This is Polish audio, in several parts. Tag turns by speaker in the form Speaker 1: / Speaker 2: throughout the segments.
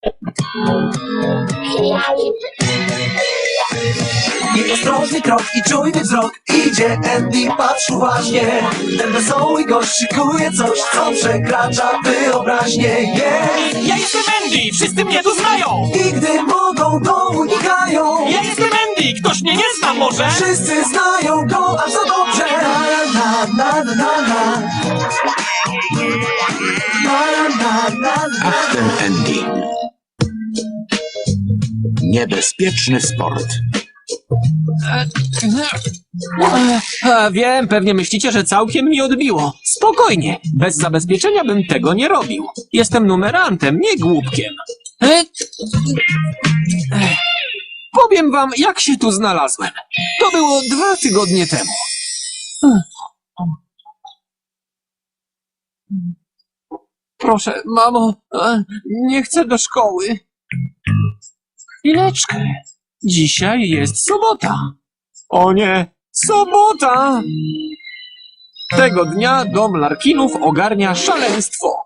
Speaker 1: I ostrożny krok i czujny wzrok. Idzie Andy, patrz uważnie. Ten wesoły gość szykuje coś, co przekracza wyobraźnię.
Speaker 2: Ja jestem Andy, wszyscy mnie tu znają!
Speaker 1: I gdy mogą, to unikają.
Speaker 2: Ja jestem Andy, ktoś mnie nie zna może?
Speaker 1: Wszyscy znają go aż za dobrze. Na, na, na, na, na. Na, na, na, na.
Speaker 3: Ach, ten Andy. Niebezpieczny sport.
Speaker 2: Wiem, pewnie myślicie, że całkiem mi odbiło. Spokojnie, bez zabezpieczenia bym tego nie robił. Jestem numerantem, nie głupkiem. Powiem wam, jak się tu znalazłem. To było 2 tygodnie temu. Proszę, mamo, nie chcę do szkoły. Chwileczkę. Dzisiaj jest sobota. O nie, sobota! Tego dnia dom Larkinów ogarnia szaleństwo.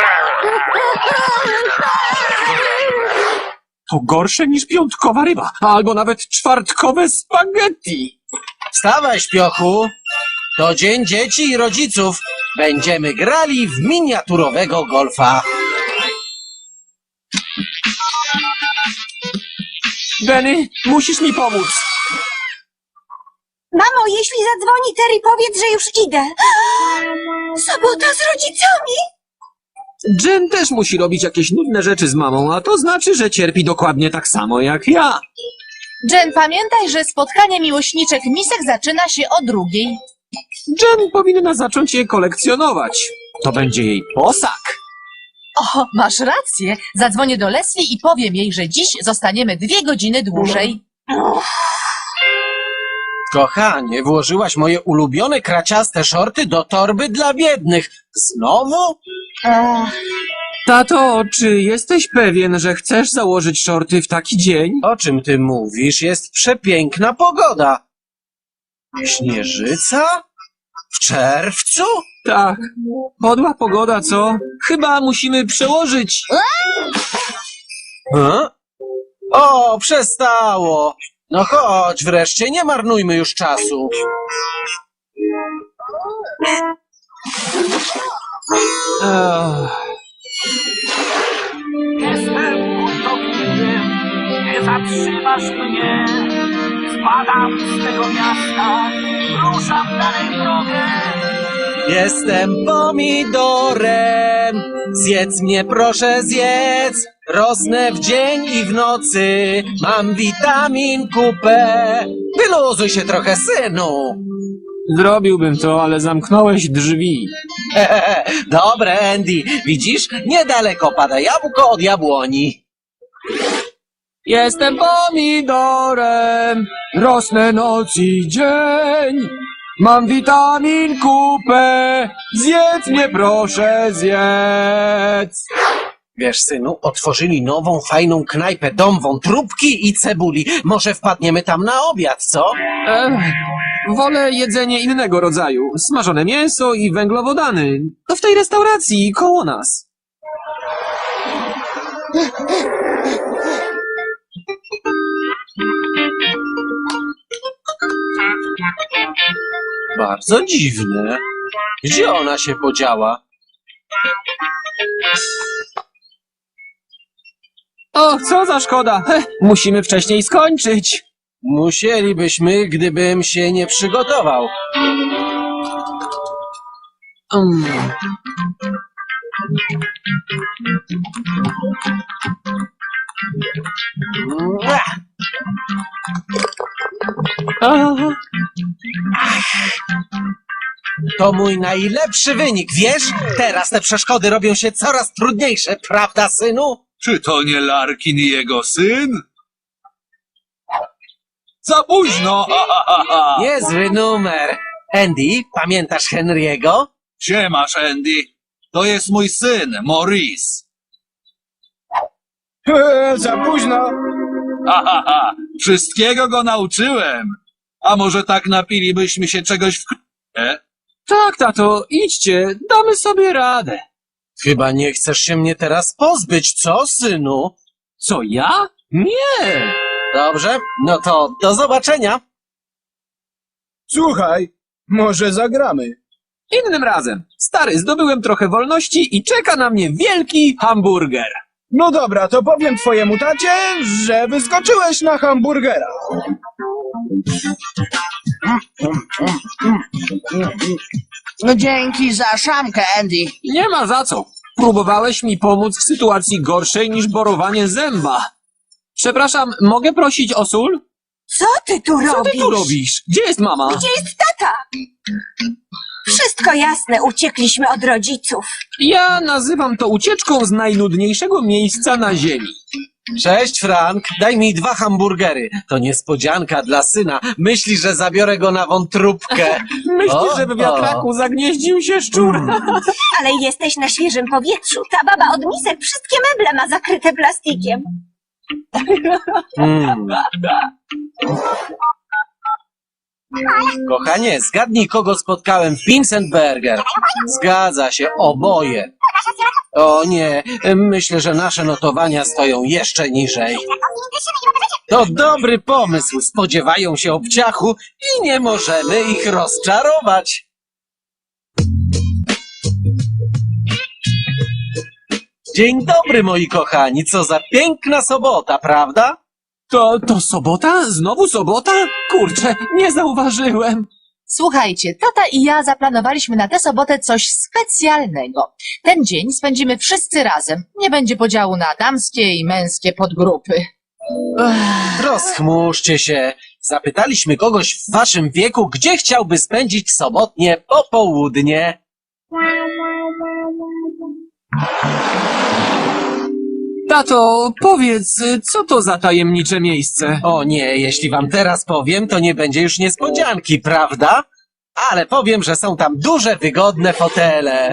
Speaker 2: To gorsze niż piątkowa ryba, albo nawet czwartkowe spaghetti.
Speaker 4: Wstawaj, śpiochu! To dzień dzieci i rodziców. Będziemy grali w miniaturowego golfa.
Speaker 2: Benny, musisz mi pomóc.
Speaker 5: Mamo, jeśli zadzwoni Terry, powiedz, że już idę. Sobota z rodzicami.
Speaker 2: Jen też musi robić jakieś nudne rzeczy z mamą, a to znaczy, że cierpi dokładnie tak samo jak ja.
Speaker 6: Jen, pamiętaj, że spotkanie miłośniczek misek zaczyna się o 2:00.
Speaker 2: Jen powinna zacząć je kolekcjonować. To będzie jej posag.
Speaker 6: O, masz rację. Zadzwonię do Leslie i powiem jej, że dziś zostaniemy 2 godziny dłużej.
Speaker 4: Kochanie, włożyłaś moje ulubione kraciaste szorty do torby dla biednych. Znowu?
Speaker 2: Tato, czy jesteś pewien, że chcesz założyć szorty w taki dzień?
Speaker 4: O czym ty mówisz? Jest przepiękna pogoda. Śnieżyca? W czerwcu?
Speaker 2: Tak. Podła pogoda, co? Chyba musimy przełożyć.
Speaker 4: O, przestało. No chodź wreszcie, nie marnujmy już czasu.
Speaker 7: Jestem budownikiem, nie zatrzymasz mnie. Spadam z tego miasta, ruszam dalej drogę.
Speaker 4: Jestem pomidorem, zjedz mnie proszę zjedz. Rosnę w dzień i w nocy, mam witamin kupę. Wyluzuj się trochę, synu.
Speaker 2: Zrobiłbym to, ale zamknąłeś drzwi.
Speaker 4: Dobre, Andy, widzisz? Niedaleko pada jabłko od jabłoni.
Speaker 2: Jestem pomidorem, rosnę noc i dzień. Mam witamin kupę, zjedz mnie proszę zjedz.
Speaker 4: Wiesz, synu, otworzyli nową, fajną knajpę, dom wątróbki i cebuli. Może wpadniemy tam na obiad, co?
Speaker 2: Wolę jedzenie innego rodzaju. Smażone mięso i węglowodany. To w tej restauracji koło nas.
Speaker 4: Bardzo dziwne. Gdzie ona się podziała?
Speaker 2: Och, co za szkoda. Musimy wcześniej skończyć.
Speaker 4: Musielibyśmy, gdybym się nie przygotował. To mój najlepszy wynik, wiesz? Teraz te przeszkody robią się coraz trudniejsze, prawda, synu?
Speaker 8: Czy to nie Larkin i jego syn? Za późno! Ha, ha, ha, ha.
Speaker 4: Niezły numer. Andy, pamiętasz Henry'ego?
Speaker 8: Siemasz, Andy. To jest mój syn, Maurice.
Speaker 2: Za późno.
Speaker 8: Ha, ha, ha. Wszystkiego go nauczyłem. A może tak napilibyśmy się czegoś w k***e?
Speaker 2: Tak, tato, idźcie, damy sobie radę.
Speaker 4: Chyba nie chcesz się mnie teraz pozbyć, co, synu?
Speaker 2: Co, ja? Nie!
Speaker 4: Dobrze, no to do zobaczenia.
Speaker 9: Słuchaj, może zagramy.
Speaker 2: Innym razem. Stary, zdobyłem trochę wolności i czeka na mnie wielki hamburger.
Speaker 9: No dobra, to powiem twojemu tacie, że wyskoczyłeś na hamburgera.
Speaker 10: No dzięki za szamkę, Andy.
Speaker 2: Nie ma za co. Próbowałeś mi pomóc w sytuacji gorszej niż borowanie zęba. Przepraszam, mogę prosić o sól?
Speaker 5: Co ty tu
Speaker 2: Co
Speaker 5: robisz?
Speaker 2: ty tu robisz? Gdzie jest mama?
Speaker 5: Gdzie jest tata? Wszystko jasne, uciekliśmy od rodziców.
Speaker 2: Ja nazywam to ucieczką z najnudniejszego miejsca na ziemi.
Speaker 4: Cześć, Frank. Daj mi 2 hamburgery. To niespodzianka dla syna. Myśli, że zabiorę go na wątróbkę.
Speaker 2: Myślisz, że w wiatraku zagnieździł się szczur?
Speaker 5: Ale jesteś na świeżym powietrzu. Ta baba od misek wszystkie meble ma zakryte plastikiem.
Speaker 4: Kochanie, zgadnij, kogo spotkałem w Vincent Burger. Zgadza się, oboje. O nie, myślę, że nasze notowania stoją jeszcze niżej. To dobry pomysł. Spodziewają się obciachu i nie możemy ich rozczarować. Dzień dobry, moi kochani. Co za piękna sobota, prawda?
Speaker 2: To sobota? Znowu sobota? Kurczę, nie zauważyłem.
Speaker 6: Słuchajcie, tata i ja zaplanowaliśmy na tę sobotę coś specjalnego. Ten dzień spędzimy wszyscy razem. Nie będzie podziału na damskie i męskie podgrupy.
Speaker 4: Rozchmurzcie się. Zapytaliśmy kogoś w waszym wieku, gdzie chciałby spędzić sobotnie popołudnie.
Speaker 2: Tato, powiedz, co to za tajemnicze miejsce?
Speaker 4: O nie, jeśli wam teraz powiem, to nie będzie już niespodzianki, prawda? Ale powiem, że są tam duże, wygodne fotele.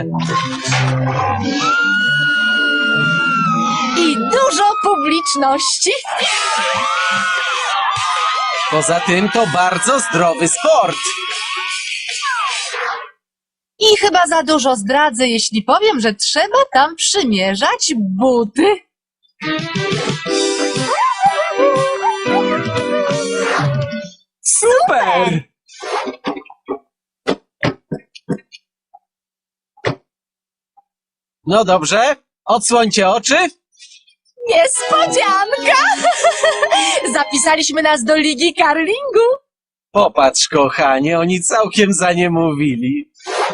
Speaker 6: I dużo publiczności.
Speaker 4: Poza tym to bardzo zdrowy sport.
Speaker 6: I chyba za dużo zdradzę, jeśli powiem, że trzeba tam przymierzać buty.
Speaker 2: Super!
Speaker 4: No dobrze, odsłońcie oczy.
Speaker 6: Niespodzianka! Zapisaliśmy nas do ligi curlingu.
Speaker 4: Popatrz, kochanie, oni całkiem zaniemówili.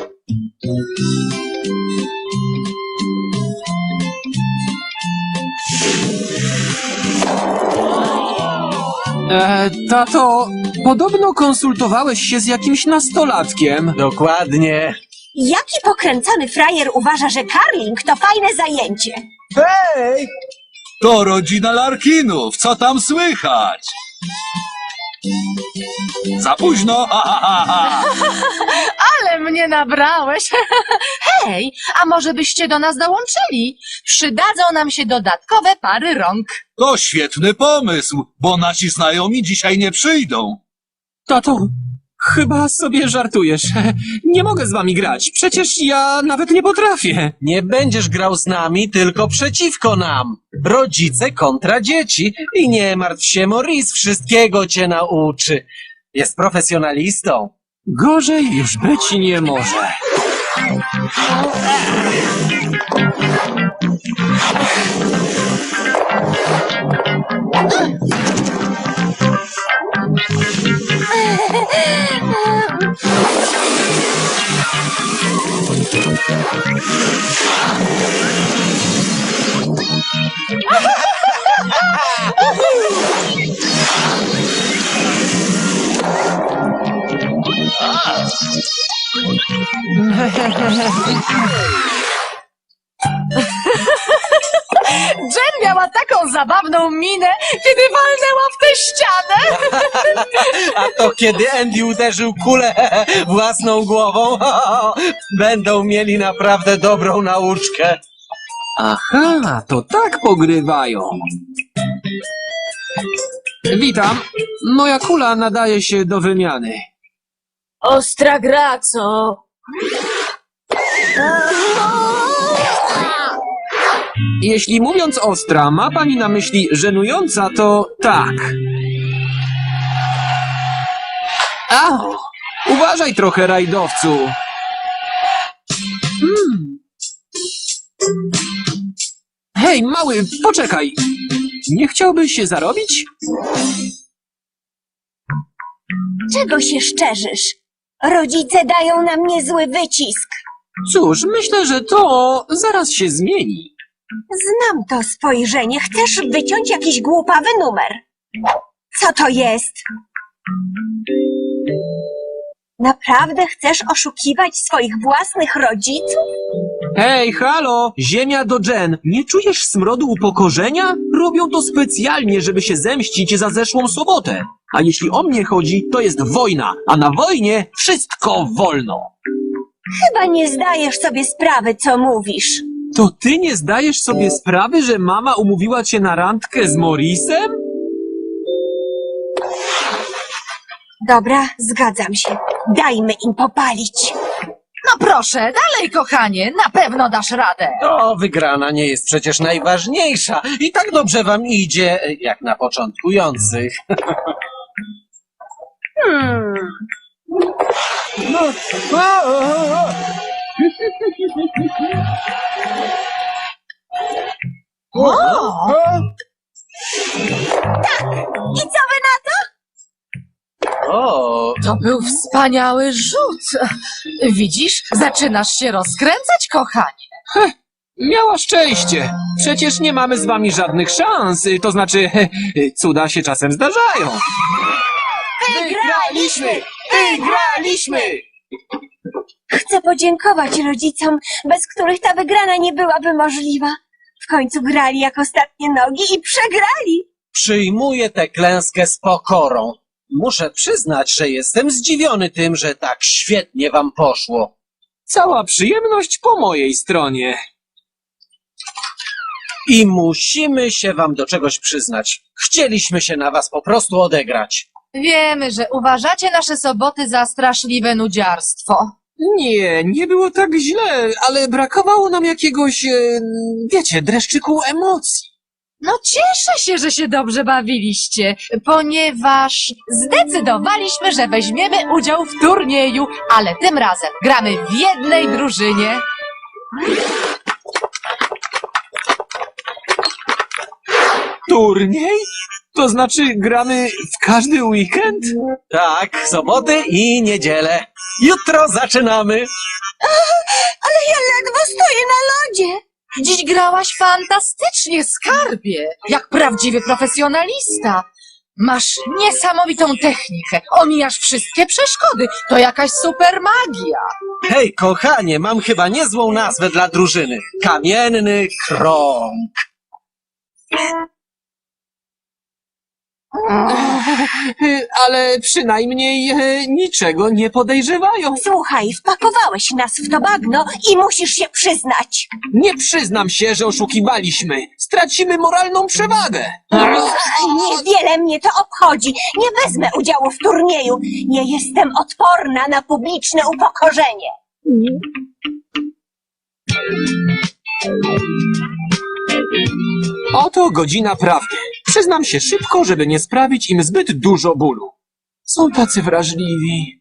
Speaker 2: Tato, podobno konsultowałeś się z jakimś nastolatkiem.
Speaker 4: Dokładnie.
Speaker 5: Jaki pokręcony frajer uważa, że curling to fajne zajęcie?
Speaker 9: Hej!
Speaker 8: To rodzina Larkinów, co tam słychać? Za późno, ha, ha, ha, ha.
Speaker 6: Ale mnie nabrałeś. Hej, a może byście do nas dołączyli? Przydadzą nam się dodatkowe pary rąk.
Speaker 8: To świetny pomysł, bo nasi znajomi dzisiaj nie przyjdą.
Speaker 2: Tato, chyba sobie żartujesz. Nie mogę z wami grać, przecież ja nawet nie potrafię.
Speaker 4: Nie będziesz grał z nami, tylko przeciwko nam. Rodzice kontra dzieci. I nie martw się, Maurice wszystkiego cię nauczy. Jest profesjonalistą.
Speaker 2: Gorzej już być nie może.
Speaker 6: Jen miała taką zabawną minę, kiedy walnęła w tę ścianę.
Speaker 4: A to kiedy Andy uderzył kulę własną głową, będą mieli naprawdę dobrą nauczkę.
Speaker 2: Aha, to tak pogrywają. Witam. Moja kula nadaje się do wymiany.
Speaker 5: Ostra gra, co?
Speaker 2: Jeśli mówiąc ostra, ma pani na myśli żenująca, to tak. Au! Uważaj trochę, rajdowcu. Hej, mały, poczekaj. Nie chciałbyś się zarobić?
Speaker 5: Czego się szczerzysz? Rodzice dają na mnie zły wycisk.
Speaker 2: Cóż, myślę, że to zaraz się zmieni.
Speaker 5: Znam to spojrzenie. Chcesz wyciąć jakiś głupawy numer. Co to jest? Naprawdę chcesz oszukiwać swoich własnych rodziców?
Speaker 2: Hej, halo! Ziemia do Jen. Nie czujesz smrodu upokorzenia? Robią to specjalnie, żeby się zemścić za zeszłą sobotę. A jeśli o mnie chodzi, to jest wojna, a na wojnie wszystko wolno.
Speaker 5: Chyba nie zdajesz sobie sprawy, co mówisz.
Speaker 2: To ty nie zdajesz sobie sprawy, że mama umówiła cię na randkę z Morrisem?
Speaker 5: Dobra, zgadzam się. Dajmy im popalić.
Speaker 6: No proszę, dalej, kochanie, na pewno dasz radę.
Speaker 4: To wygrana nie jest przecież najważniejsza. I tak dobrze wam idzie, jak na początkujących.
Speaker 5: I co wy na to?
Speaker 4: O,
Speaker 6: To był wspaniały rzut. Widzisz, zaczynasz się rozkręcać, kochanie.
Speaker 2: Miała szczęście. Przecież nie mamy z wami żadnych szans. To znaczy, cuda się czasem zdarzają.
Speaker 5: Wygraliśmy!
Speaker 2: Wygraliśmy!
Speaker 5: Chcę podziękować rodzicom, bez których ta wygrana nie byłaby możliwa. W końcu grali jak ostatnie nogi i przegrali.
Speaker 4: przyjmuję tę klęskę z pokorą. Muszę przyznać, że jestem zdziwiony tym, że tak świetnie wam poszło.
Speaker 2: Cała przyjemność po mojej stronie.
Speaker 4: I musimy się wam do czegoś przyznać. Chcieliśmy się na was po prostu odegrać.
Speaker 6: Wiemy, że uważacie nasze soboty za straszliwe nudziarstwo.
Speaker 2: Nie, nie było tak źle, ale brakowało nam jakiegoś, wiecie, dreszczyku emocji.
Speaker 6: No cieszę się, że się dobrze bawiliście, ponieważ zdecydowaliśmy, że weźmiemy udział w turnieju, ale tym razem gramy w jednej drużynie.
Speaker 2: Turniej? To znaczy gramy w każdy weekend?
Speaker 4: Tak, soboty i niedzielę. Jutro zaczynamy.
Speaker 5: Ale ja ledwo stoję na lodzie.
Speaker 6: Dziś grałaś fantastycznie, skarbie, jak prawdziwy profesjonalista. Masz niesamowitą technikę, omijasz wszystkie przeszkody, to jakaś super magia.
Speaker 4: Hej, kochanie, mam chyba niezłą nazwę dla drużyny. Kamienny krąg.
Speaker 2: Ale przynajmniej niczego nie podejrzewają.
Speaker 5: Słuchaj, wpakowałeś nas w to bagno i musisz się przyznać.
Speaker 2: Nie przyznam się, że oszukiwaliśmy. Stracimy moralną przewagę.
Speaker 5: Niewiele mnie to obchodzi. Nie wezmę udziału w turnieju. Nie jestem odporna na publiczne upokorzenie.
Speaker 2: Oto godzina prawdy. Przyznam się szybko, żeby nie sprawić im zbyt dużo bólu. Są tacy wrażliwi.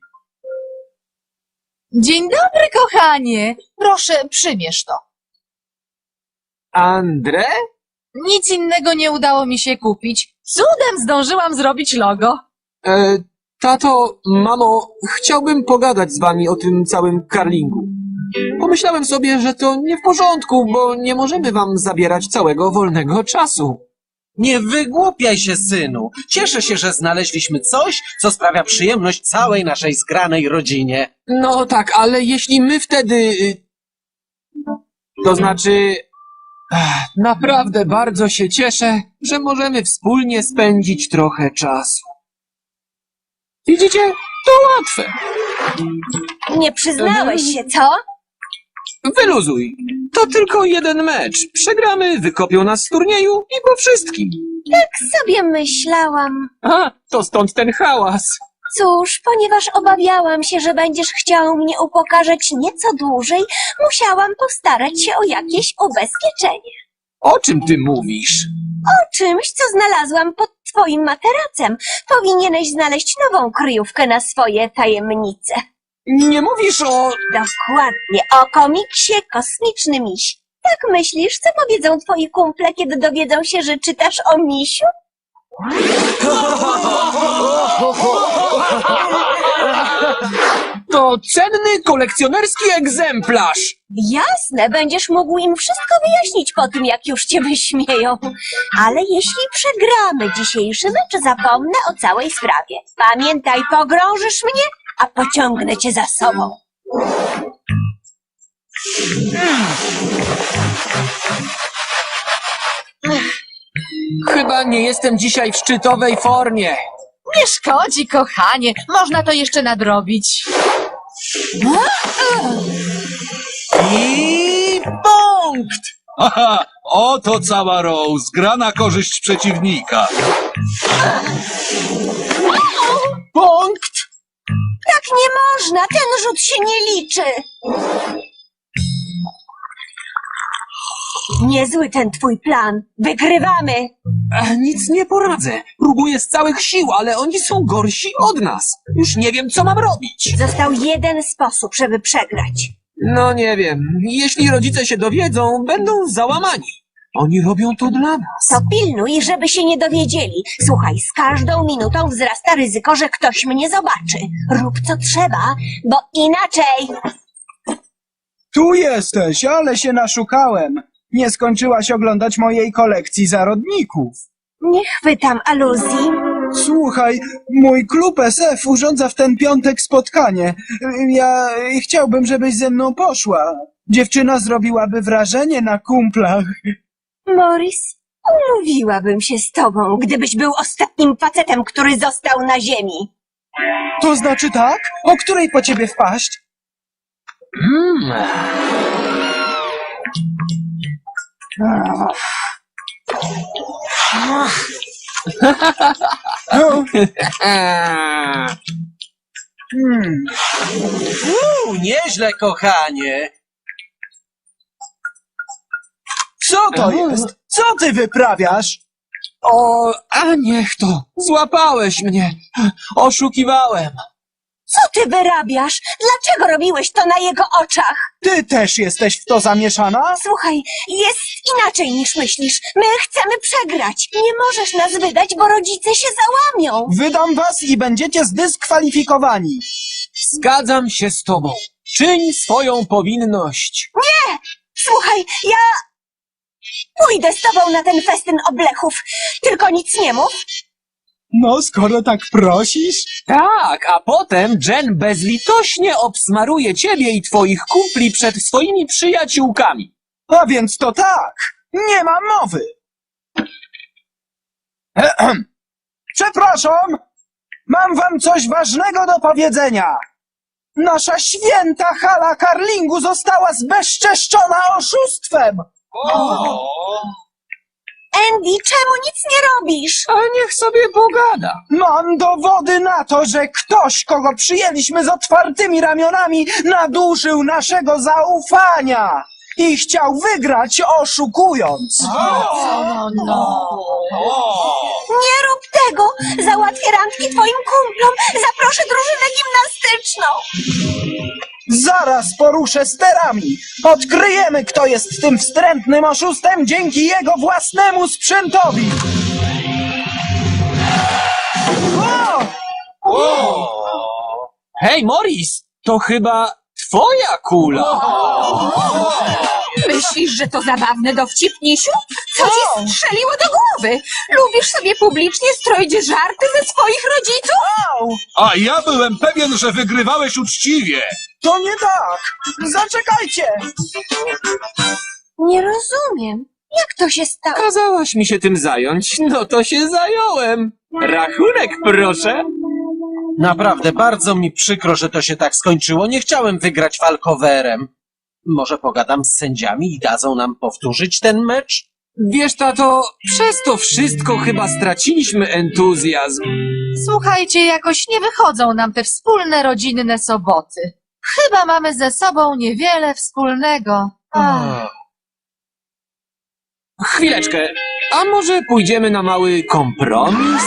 Speaker 6: Dzień dobry, kochanie. Proszę, przymierz to.
Speaker 2: André?
Speaker 6: Nic innego nie udało mi się kupić. Cudem zdążyłam zrobić logo.
Speaker 2: Tato, mamo, chciałbym pogadać z wami o tym całym karlingu. Pomyślałem sobie, że to nie w porządku, bo nie możemy wam zabierać całego wolnego czasu.
Speaker 4: Nie wygłupiaj się, synu. Cieszę się, że znaleźliśmy coś, co sprawia przyjemność całej naszej zgranej rodzinie.
Speaker 2: No tak, ale jeśli my wtedy... To znaczy... Naprawdę bardzo się cieszę, że możemy wspólnie spędzić trochę czasu. Widzicie? To łatwe.
Speaker 5: Nie przyznałeś się, co?
Speaker 2: Wyluzuj. To tylko jeden mecz. Przegramy, wykopią nas z turnieju i po wszystkim.
Speaker 5: Tak sobie myślałam.
Speaker 2: A, to stąd ten hałas.
Speaker 5: Cóż, ponieważ obawiałam się, że będziesz chciał mnie upokarzać nieco dłużej, musiałam postarać się o jakieś ubezpieczenie.
Speaker 2: O czym ty mówisz?
Speaker 5: O czymś, co znalazłam pod twoim materacem. Powinieneś znaleźć nową kryjówkę na swoje tajemnice.
Speaker 2: Nie mówisz o...
Speaker 5: Dokładnie, o komiksie Kosmiczny Miś. Tak myślisz, co powiedzą twoi kumple, kiedy dowiedzą się, że czytasz o misiu?
Speaker 2: To cenny kolekcjonerski egzemplarz.
Speaker 5: Jasne, będziesz mógł im wszystko wyjaśnić po tym, jak już cię wyśmieją. Ale jeśli przegramy dzisiejszy mecz, zapomnę o całej sprawie. Pamiętaj, pogrążysz mnie, a pociągnę cię za sobą.
Speaker 2: Chyba nie jestem dzisiaj w szczytowej formie.
Speaker 6: Nie szkodzi, kochanie. Można to jeszcze nadrobić.
Speaker 2: I punkt!
Speaker 8: Haha, oto cała Rose. Gra na korzyść przeciwnika.
Speaker 2: Punkt!
Speaker 5: Tak nie można, ten rzut się nie liczy. Niezły ten twój plan. Wygrywamy.
Speaker 2: Nic nie poradzę. Próbuję z całych sił, ale oni są gorsi od nas. Już nie wiem, co mam robić.
Speaker 5: Został jeden sposób, żeby przegrać.
Speaker 2: No nie wiem. Jeśli rodzice się dowiedzą, będą załamani. Oni robią to dla nas.
Speaker 5: To pilnuj, żeby się nie dowiedzieli. Słuchaj, z każdą minutą wzrasta ryzyko, że ktoś mnie zobaczy. Rób co trzeba, bo inaczej...
Speaker 9: Tu jesteś, ale się naszukałem. Nie skończyłaś oglądać mojej kolekcji zarodników.
Speaker 5: Nie chwytam aluzji.
Speaker 9: Słuchaj, mój klub SF urządza w ten piątek spotkanie. Ja chciałbym, żebyś ze mną poszła. Dziewczyna zrobiłaby wrażenie na kumplach.
Speaker 5: Morris, umówiłabym się z tobą, gdybyś był ostatnim facetem, który został na ziemi.
Speaker 9: To znaczy tak? O której po ciebie wpaść? No,
Speaker 4: Nieźle, kochanie.
Speaker 9: co to jest? Co ty wyprawiasz?
Speaker 2: A niech to. Złapałeś mnie. Oszukiwałem.
Speaker 5: Co ty wyrabiasz? Dlaczego robiłeś to na jego oczach?
Speaker 9: Ty też jesteś w to zamieszana?
Speaker 5: Słuchaj, jest inaczej niż myślisz. My chcemy przegrać. Nie możesz nas wydać, bo rodzice się załamią.
Speaker 9: Wydam was i będziecie zdyskwalifikowani.
Speaker 2: Zgadzam się z tobą. Czyń swoją powinność.
Speaker 5: Słuchaj, ja pójdę z tobą na ten festyn oblechów. Tylko nic nie mów.
Speaker 9: No, skoro tak prosisz.
Speaker 2: Tak, a potem Jen bezlitośnie obsmaruje ciebie i twoich kumpli przed swoimi przyjaciółkami.
Speaker 9: A więc to tak. Nie ma mowy. Przepraszam. Mam wam coś ważnego do powiedzenia. Nasza święta hala karlingu została zbezczeszczona oszustwem.
Speaker 5: Andy, czemu nic nie robisz?
Speaker 2: A niech sobie pogada.
Speaker 9: Mam dowody na to, że ktoś, kogo przyjęliśmy z otwartymi ramionami, nadużył naszego zaufania i chciał wygrać oszukując.
Speaker 5: Nie rób tego! Załatwię randki twoim kumplom. Zaproszę drużynę gimnastyczną.
Speaker 9: Zaraz poruszę sterami. Odkryjemy, kto jest tym wstrętnym oszustem dzięki jego własnemu sprzętowi.
Speaker 2: Hej, Morris, to chyba twoja kula.
Speaker 6: Myślisz, że to zabawne, dowcipnisiu? Co ci strzeliło do głowy? Lubisz sobie publicznie stroić żarty ze swoich rodziców?
Speaker 8: A ja byłem pewien, że wygrywałeś uczciwie.
Speaker 9: To nie tak. Zaczekajcie.
Speaker 5: Nie rozumiem. Jak to się stało?
Speaker 2: Kazałaś mi się tym zająć, no to się zająłem. Rachunek, proszę.
Speaker 4: Naprawdę, bardzo mi przykro, że to się tak skończyło. Nie chciałem wygrać walkowerem. Może pogadam z sędziami i dadzą nam powtórzyć ten mecz?
Speaker 2: Wiesz, tato, przez to wszystko chyba straciliśmy entuzjazm.
Speaker 6: Słuchajcie, jakoś nie wychodzą nam te wspólne rodzinne soboty. Chyba mamy ze sobą niewiele wspólnego.
Speaker 2: Chwileczkę, a może pójdziemy na mały kompromis?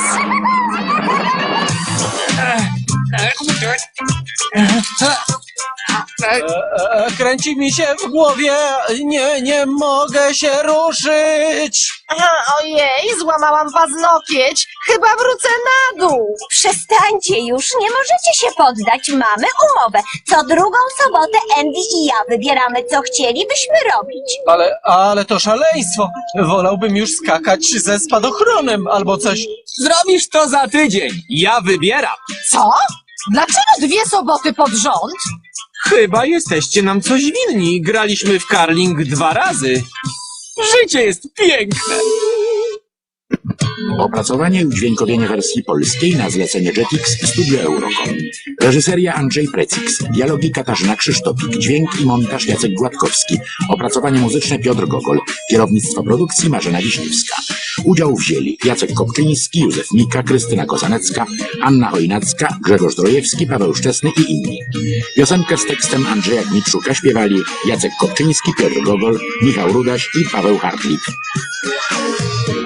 Speaker 4: Kręci mi się w głowie, nie mogę się ruszyć.
Speaker 6: Ojej, złamałam paznokieć. Chyba wrócę na dół.
Speaker 5: Przestańcie już, nie możecie się poddać. Mamy umowę. Co drugą sobotę Andy i ja wybieramy, co chcielibyśmy robić.
Speaker 4: Ale to szaleństwo. Wolałbym już skakać ze spadochronem albo coś.
Speaker 2: Zrobisz to za tydzień. Ja wybieram.
Speaker 6: Co? Dlaczego 2 soboty pod rząd?
Speaker 2: Chyba jesteście nam coś winni. Graliśmy w curling 2 razy. Życie jest piękne.
Speaker 3: Opracowanie i udźwiękowienie wersji polskiej na zlecenie Jetix i Studio Eurocom. Reżyseria Andrzej Precix. Dialogi Katarzyna Krzysztofik. Dźwięk i montaż Jacek Gładkowski. Opracowanie muzyczne Piotr Gogol. Kierownictwo produkcji Marzena Wiśniewska. Udział wzięli Jacek Kopczyński, Józef Mika, Krystyna Kozanecka, Anna Chojnacka, Grzegorz Drojewski, Paweł Szczesny i inni. Piosenkę z tekstem Andrzeja Gmitrzuka śpiewali Jacek Kopczyński, Piotr Gogol, Michał Rudaś i Paweł Hartlik.